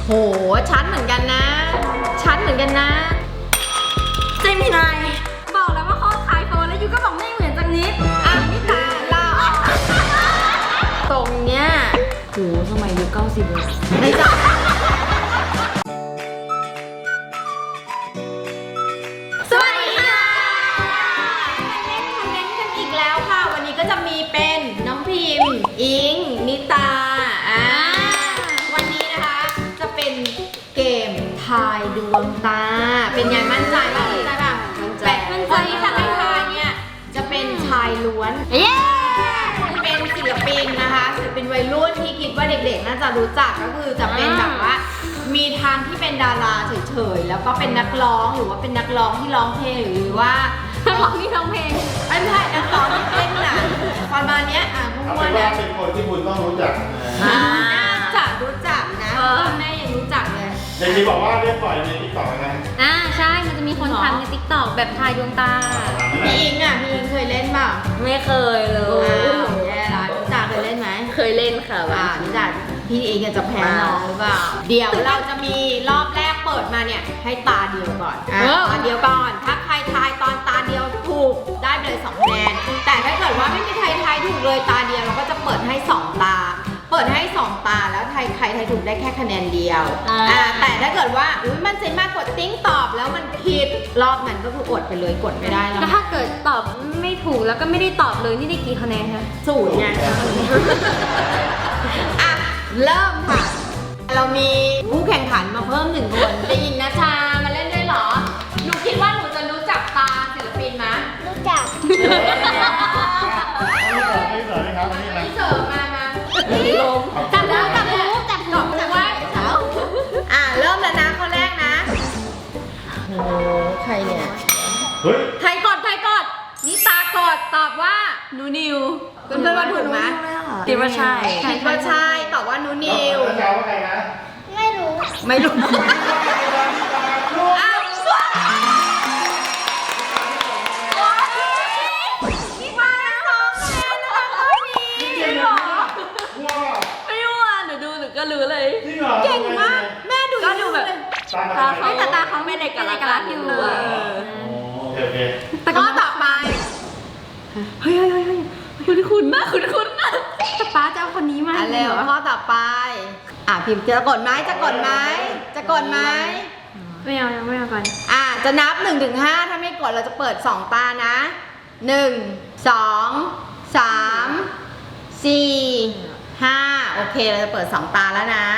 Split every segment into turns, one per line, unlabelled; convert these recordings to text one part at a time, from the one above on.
โหชัดเหมือนกันนะชัดเหมือนกันนะ
เจมินายบอกแล้วว่าข้อคายโฟนแล้วยูก็บอกไม่เหมือนจังนิด
อ่ะนี่ตาเราตรงเนี้ย
โหสมัยยุค90เลย
ไม่จับสวัสดีค่ะมาเล่นคอมเมนต์กันอีกแล้วค่ะวันนี้ก็จะมีเป็นน้องพิมพ์อิงนิตาวันนี้นะคะจะเป็นเกมทายดวงตาเป็นไงมั่นใจป่ะมั่นใจป่ะมั่นใจคนที่จะให้ทายเนี่ยจะเป็นชายล้วนเป็นศิลปินนะคะศิลปินวัยรุ่นที่คิดว่าเด็กๆน่าจะรู้จักก็คือจะเป็นแบบว่ามีทางที่เป็นดาราเฉยๆแล้วก็เป็นนักร้องหรือว่าเป็นนักร้องที่ร้องเพลงหรือว่า
นักร้องที่ร้องเพลง
ไม่ใช่นักร้องที่เต้นหนังประมาณนี้มั่วๆนะ
เป็นคนที่คุณต้องรู้จัก
น่าจะรู้จักนะแม่ยังรู้จักเลย
เด็กที่บอกว่าเรียกปล่อยในติ๊กต็อกนะ
ใช่มันจะมีคนทำในติ๊กต็อกแบบทายดวงตา
พี่อิงพี่อิงเคยเล่นเปล่า
ไม่เคยเลย
แย่ละรู้จักเคยเล่นไหม
เคยเล่นค่ะ
รู้จักพี่อิงจะแพ้น้องหรือเปล่าเดี๋ยวเราจะมีรอบแรกเปิดมาเนี่ยให้ตาเดียวก่อนตาเดียวก่อนถ้าใครทายตอนตาเดียวถูกได้ไปเลย2 คะแนนแต่ถ้าเกิดว่าไม่มีใครทายถูกเลยตาเดียวเราก็จะเปิดให้2 ตาเปิดให้2 ตาแล้วใครทายถูกได้แค่คะแนนเดียวแต่ถ้าเกิดว่ามันใจมากกดติ้งตอบแล้วมันผิดรอบนั้นก็คืออดไปเลยกดไม่ได้แล้ว
ถ้าเกิดตอบไม่ถูกแล้วก็ไม่ได้ตอบเลยนี่ได้กี่คะแนนคะ
0ไงเริ่มค่ะเรามีผู้แข่งขันมาเพิ่ม1 คนจะยิงนะชามาเล่นด้วยเหรอหนูคิดว่าหนูจะรู้จักตาศิลปินไหม
รู้จัก
ไม่เสิร์ฟมา
จับหู
ว่าเริ่มแล้วนะข้อแรกนะโอ้ใครเนี่ยใครกดนี่ตากดตอบว่า
นูนิว
เพื่อนว่าถูกไหม
คิดว่าใช่
ตอบว่านูนิว
แล้วว่าใครนะ
ไม่รู้
อ้าวนี่มา2 คะแนนนะคะข้อนี้
จริงเหรอ
ไม่รู้หนูดูหนูก็รู้เลย
เก่งมากแม่ดู
ก็ดูแบบตาเขาไม่ได้กันรักอยู่
โอเค
ข้อต่อไป
เฮ้ยคุณมากคุณแต่ป้าจะเอาคนนี้มา
เร็วข้อต่อไปพิมพ์จะกดไหม
ไม่เอาก่อน
จะนับ1 ถึง 5ถ้าไม่กดเราจะเปิด2 ตานะ1 2 3 4 5โอเคเราจะเปิด2 ตาแล้วนะ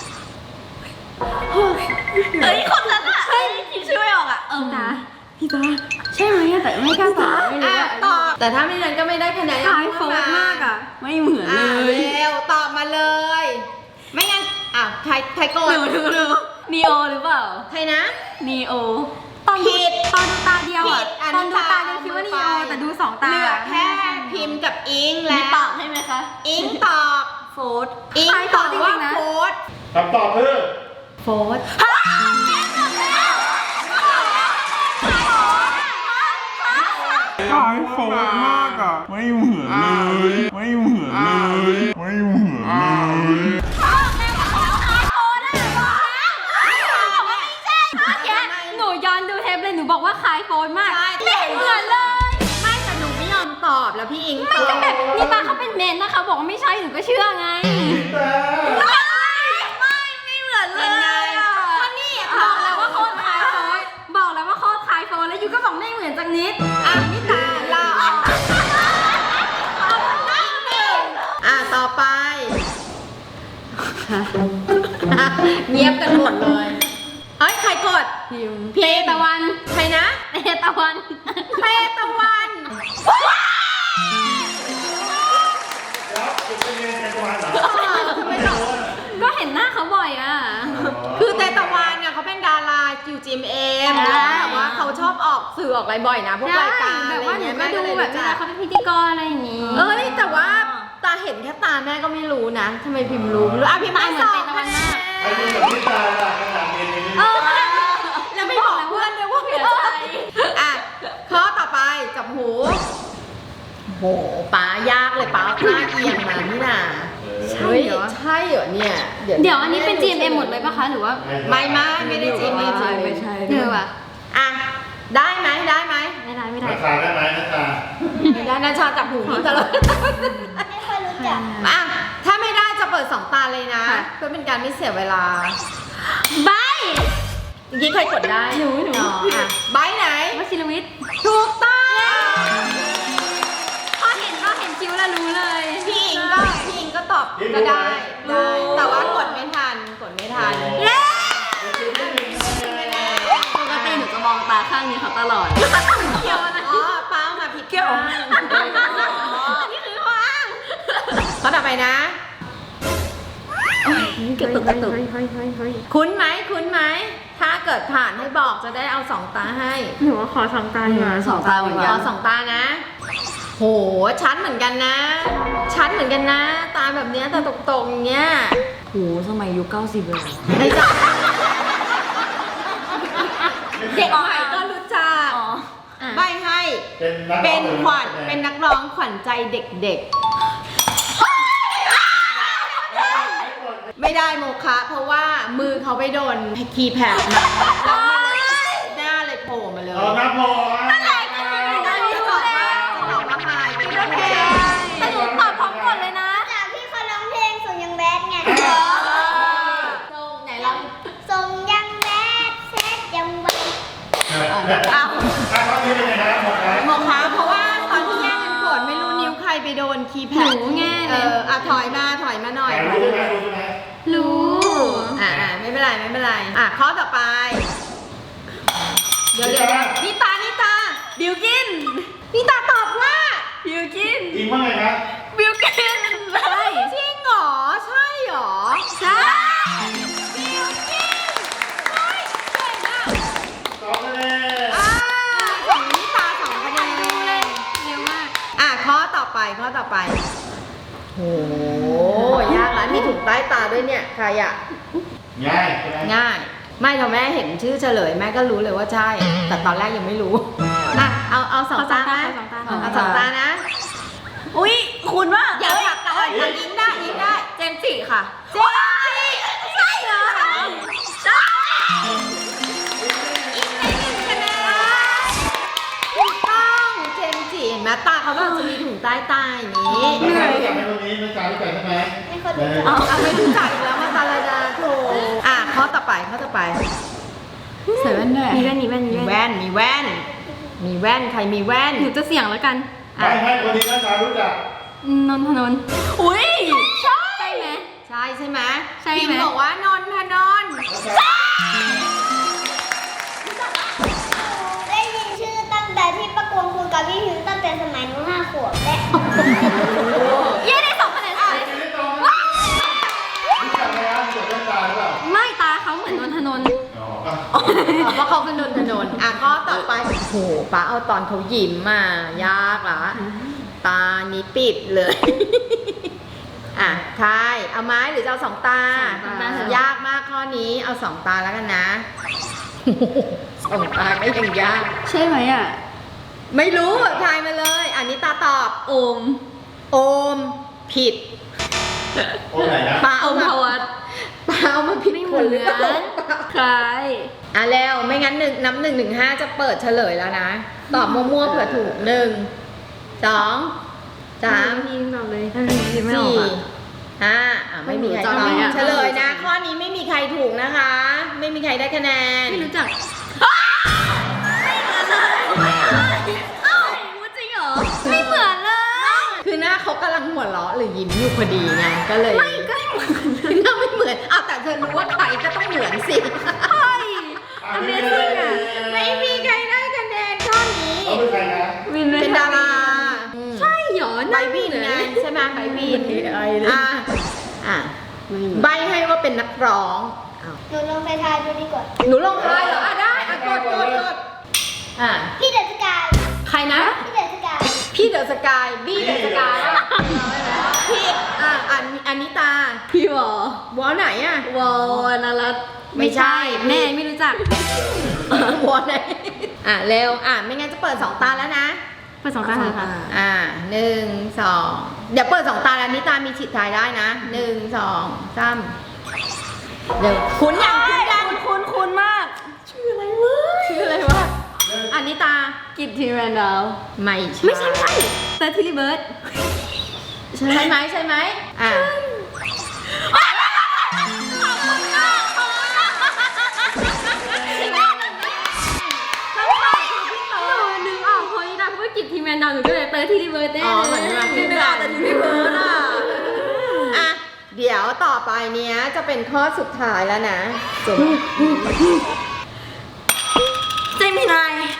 คนนั้นคิดชื่อไม่ออกพี่ตาใช่ไหมแต่ไม่กล้าตอบไม่รู้
ตอบแต่ถ้าไม่นั้นก็ไม่ได้คะแนน
คล้ายโฟนมากไม่เหมือนเลย
เร็วตอบมาเลยไม่งั้นใครโกด
นีโอหรือเปล่า
ใครนะ
นีโอ
ผิด
ตอนดูตาเดียวตอนดูตาเดียวคิดว่านีโอแต่ดู2 ตา
เหลือแค่พิมพ์กับอิงแล้ว
ตอบให้ไหมคะ
อิงตอบ
โฟด
อิงตอบว่าโฟด
คำตอบคือ
โฟด
คล้ายโฟนมากไม่เหมือน
หนูย้อนดูเทปเลยหนูบอกว่าคล้ายโฟนมากไม่เห็นเหมือนเลย
ไม่แต่หนูไม่ยอมตอบแล้วพี่อิง
ไม่แบบนี่ตาเขาเป็นเมนนะคะบอกว่าไม่ใช่หนูก็เชื่อไงไม่เหมือนเลย
ก็นี่
บอกแล้วว่าโคตรคล้ายโฟนแล้วยูก็บอกไม่เหมือนจังนิด
นี่ตาเราต่อไปเงียบกันหมดเลยใครกด
เพตะวัน
ใครนะ
เพตะวันก็เห็นหน้าเขาบ่อย
คือเตตะวันเนี่ยเขาเป็นดาราQGMMแล้วแบบว่าเขาชอบออกสื่อออกอะไรบ่อยนะพวกรายการ
แบบว่าหนูก็ดูแบบเวลาเขาเป็นพิธีกรอะไรอย่างงี้
แต่ว่าตาเห็นแค่ตาแม่ก็ไม่รู้นะทำไมพิมพ์รู้พิมพ์ไม่สอบคะแนน
ไอ้นี่แบบนี้ตาขนาดเรียน
แล้วไม่บอกเพื่อนเลยว่าเป็นอะไรข้อต่อไปจับหูโหป้ายากเลยป้าหน้าเอียงมานี่น่ะใช่เฮ้ย
เหรอ
ใช่เหรอเนี่ย
เดี๋ยวอันนี้เป็น GMM หมดเลยปะคะหรือว่า
ไม่ได้จีไม่จี
ไม่ใช่
เออว่ะอ่ะได้ไหม
ไม่ได้
ราคาได้ไหมราคา
ไม่ได้นะชาจับหูนี่ตลอด
ไม่ค่อยรู้จัก
อ่ะถ้าไม่ได้จะเปิด2 ตาเลยนะเพื่อเป็นการไม่เสียเวลา
ใบ
เมื่อกี้ใครกดได้
หนู
อ๋ออ่ะใบไหน
วชิรวิทย์
ถูกต้อง
พอเห็นคิ้วแล้วรู้เลย
พี่อิงก็ตอบก็ได้ แต่ว่ากดไม่ทัน
เย้ปกติหนูจะมองตาข้างนี้เขาตลอดเขียวนะ
อ๋อเป้ามาผิดข้าง
อันนี้คือข้ออ้าง
ข้อต่อไปนะ
กระตุก
คุ้นไหม ถ้าเกิดผ่านให้บอกจะได้เอา2 ตาให้
หนูว่าขอ2 ตาดีกว่า2 ตาเหมือนกัน
เอา2 ตานะ โหชัดเหมือนกันนะ ตาแบบเนี้ยตาตรงๆอย่างเงี้ย
โหสมัยยุค90เลย
ในจักเด็กใหม่ก็รู้จัก
อ๋อ
ใบให้ เป็นนักร้องขวัญใจเด็กๆ ไม่ได้โมคะเพราะว่ามือเขาไปโดนคีย์แพดมาแล้วหน้าเลยโผล่มาเลย
เอาน้ำพอ
จะตอบว่าพายเป็นโอเค
แต่หนูตอบพร้อมก่อนเลยนะ
จากที่เขาร้องเพลงส่งยังแบดไง
ตรงไหนลอง
ส่งยังแบดเซตยังไว
เอา
ข้อนี้เป็นยังไงครับหมดแล้ว
โมคะเพราะว่าตอนที่แย่งกันกดไม่รู้นิ้วใครไปโดนคีย์แพด
หนูไง
ถอยมาหน่อย
รู้ใช่ไหม
รู้
ไม่เป็นไรข้อต่อไป เดี๋ยวนิตาบิวกินนิตาตอบว่า
บิวกิน
อีกว่าไงครับ
บิวกินใช่
จริงเหรอใช่เหรอ
ใช่
บิวกินเฮ้ยเก่งอ่ะ
2 คะแนน
ของนิตา2 คะแนน
ดูเลยเร็วมาก
ข้อต่อไปโหยากแล้วมีถุงใต้ตาด้วยเนี่ยใครอ่ะ
ง่ายใช่ไหม
ง่าย ไม่พอแม่เห็นชื่อเฉลยแม่ก็รู้เลยว่าใช่ แต่ตอนแรกยังไม่รู้เอา2 ตาไหมเอา2 ตานะ
อุ้ยคุณว่า
อย่าผลักกันยิงได้
เจมส์จิค่ะ
เจมส์จิใช่เหรอใช่อีกใน1 คะแนนถูกต้องเจมส์จิเห็นไหมตาเขาแบบจะมีถุงใต้ตาอย่างนี้
เหนื่อยรู้จักไหมคนนี้นักการรู้จักใช่ไหม
ไม่ค่อยรู้จัก
เอาไม่รู้จักอีกแล้วมาตาลาดาโถข้อต่อไป
ใส่แว่นด้วยมีแว่น
มีแว่นใครมีแว่น
หนูจะเสี่ยงแล้วกัน
ให้คนนี้นักการรู้จัก
นนทนนท์อุ้ยใช่ไหม
ใช่ไหม
ใช่ไหม
พิมพ์บอกว่านนทนนท์
ได้ยินชื่อตั้งแต่ที่ประกวดคุยกับพี่พิวตั้งแต่สมัยหนู5 ขวบและ
เย้ได้2 คะแนนเลย
รู้จักไหมครับรู้จักเรื่องตาหรือเปล่า
ไม่ตาเขาเหมือนนนทนนท์
เพราะเขาเป็นนนทนนท์ข้อต่อไปโอ้โหป้าเอาตอนเขายิ้มมายากละตานี้ปิดเลยทายเอาไม้หรือจะเอา2 ตา ยากมากข้อนี้เอา2 ตาแล้วกันนะ2 ตาก็ยังยาก
ใช่ไหมอ่ะ
ไม่รู้ทายมาเลยอันนี้ตาตอบ
โอม
โอมผิด
โอ้ไหนนะ
ป้า
โอ
เอา
ม
มา
พวัต
ป้าเอามาผิด
ไม่
ค
เหมื
น
อน
หรือเปล่า
คล้าย
แล้วไม่งั้นนับ 1 ถึง 5จะเปิดเฉลยแล้วนะ ตอบมั่วๆเผื่อถูก 1 2 3
พี่ตอบเลยถ้าพี่ไม่ออก
4 5ไม่มีใครต
จำ
อบ
ไว้อะ
เฉลยนะ ข้อนี้ไม่มีใครถูกนะคะ ไม่มีใครได้คะแนน
ไม่รู้จักไม่เหมือนเลยเอ้ารู้จริงเหรอไม่เหมือนเลย
คือหน้าเขากำลังหัวเราะหรือยิ้มอยู่พอดีไงก็เลย
ไม่ก็ไม่เหมือน
หน้าไม่เหมือนแต่เธอรู้ว่าใครก็ต้องเหมือนสิ
ใช่ Amazing อ่ะ
ไม่มีใครได้คะแนนข้อนี้
เขาเป็นใครนะ
วิน
เป็นดารา
ใช่เหรอ
ใบวินไงใช่ไหมใบวินใบให้ว่าเป็นนักร้อง
หนูลองไปทายดูดีกว่า
หนูลงทายเหรอได้กด
พี่เดอะสกาย
ใครนะ
พี่เดอะสกาย
พี่เดอะสกายบี้เดอะสกายพี่อันนี้ตา
พี่วอ
วอไหนอ่ะ
วอนารัต
ไม่ใช่
แม่ไม่รู้จัก
วอไหนเร็วไม่งั้นจะเปิด2 ตาแล้วนะ
เปิด2 ตาเถอะค่ะ
1 2 เดี๋ยวเปิด2 ตาแล้วนิตามีสิทธิ์ทายได้นะ1 2 3เดี๋ยวคุ้นยังคุ้นยัง
คุ้นมาก
ชื่ออะไรวะอันนิตา
กิตทีแมนดาว
ไม่ใช่
ไม่ใช่แต่ทิลลี่เบิร์ด
ใช่ไหมใช่ไหมอ่ะ
นึกออกเพราะนี่นะเพราะว่ากิตทีแมนดาวหนูก็เลยเตอร์ทิลลี่เบิร์ดแน่
อ๋อ
เลย
เหมือนมา
นึกออกแต่ทิลลี่เบิร์ดอ่ะ
อ่ะเดี๋ยวต่อไปเนี้ยจะเป็นข้อสุดท้ายแล้วนะจบ
เจมินาย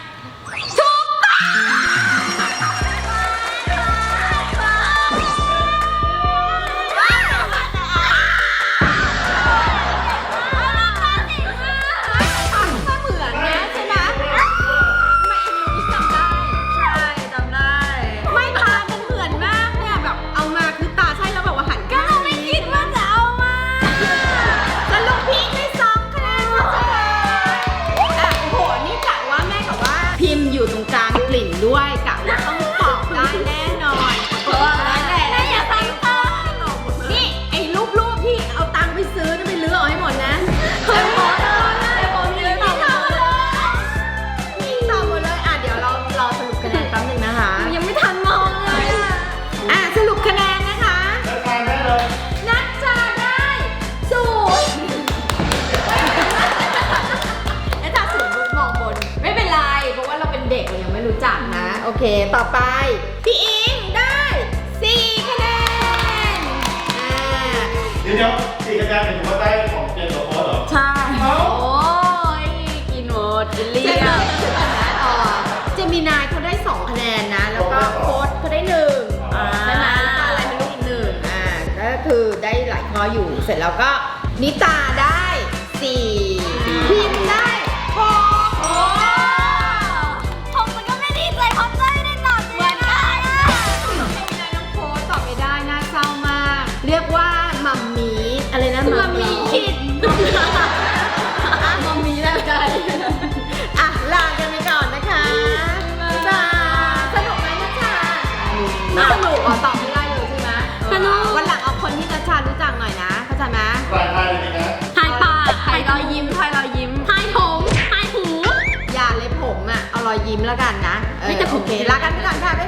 ก็เหมือนนะใช่ไหมไม่จำได้
ใช่จำได้
ไม่ตามันเหมือนมากเนี่ยแบบเอามาคือตาใช่แล้วแบบว่าหันก็เราไม่คิดว่าจะเอามาสรุปพี่ได้2 คะแนนอ่ะโอ้โหนี่กะว่าแม่กับว่าพิมพ์อยู่ตรงกลางกลิ่นด้วยกะว่าต้องตอบได้แน่นอนเพราะว่าแม่อย่าตั้งตานี่ไอ้รูปที่เอาตังค์ไปซื้อนี่ไปลื้อเอาให้หมดนะเคยหมดเลยผมยังไม่ทำเลยนี่ตอบหมดเลยอ่ะเดี๋ยวเราสรุปคะแนนแป๊บนึงนะคะ
ยังไม่ทันมองเลยอ่ะ
สรุปคะแนนนะคะ
แล้วทานได้เลย
นักจาได้0และจาก0ลูกมองบนไม่เป็นไรเพราะว่าเราเป็นเด็กเรายังไม่รู้จักนะโอเคต่อไปพี่อิงได้4 คะแนน
เดี๋ยว4 คะแนนเป็นถือว่าได้ของเจนกับโค้ดเหรอ
ใช่ โอ้ยกินหมดกินเลี่
เจ
ย
มิ
ง
เจมินายเขาได้2 คะแนนนะแล้วก็โค้ดเขาได้1ใช่ไหมแล้วก็อะไรไม่รู้อีก1ก็คือได้หลายข้ออยู่เสร็จแล้วก็นิตาได้4พิมพ์ได้6โอ้
ผมมันก็ไม่ดีใจเพราะใจได้ตอบเหมือนกัน
น้องโค้ดตอบไม่ได้น่าเศร้ามาก เรียกว่ามัมมี่อะไรนะมัมมี่คิดมัมมี่แล้วใจอ่ะลากันไปก่อนนะคะจ้าสนุกไหมนะจ๊ะไม่สนุกตอบไม่ได้เลยใช่ไหมวันหลังเอาคนที่นัชชารู้จักหน่อยนะเข้าใจไหม
รายได้เลยนะ
ทายปากทายรอยยิ้มทายรอยยิ้มทายผมทายหู
อย่าเลยผมอ่ะเอารอยยิ้มแล้วกันนะ
ไม่แต่ผม
โอเคลากันไปก่อนค่ะ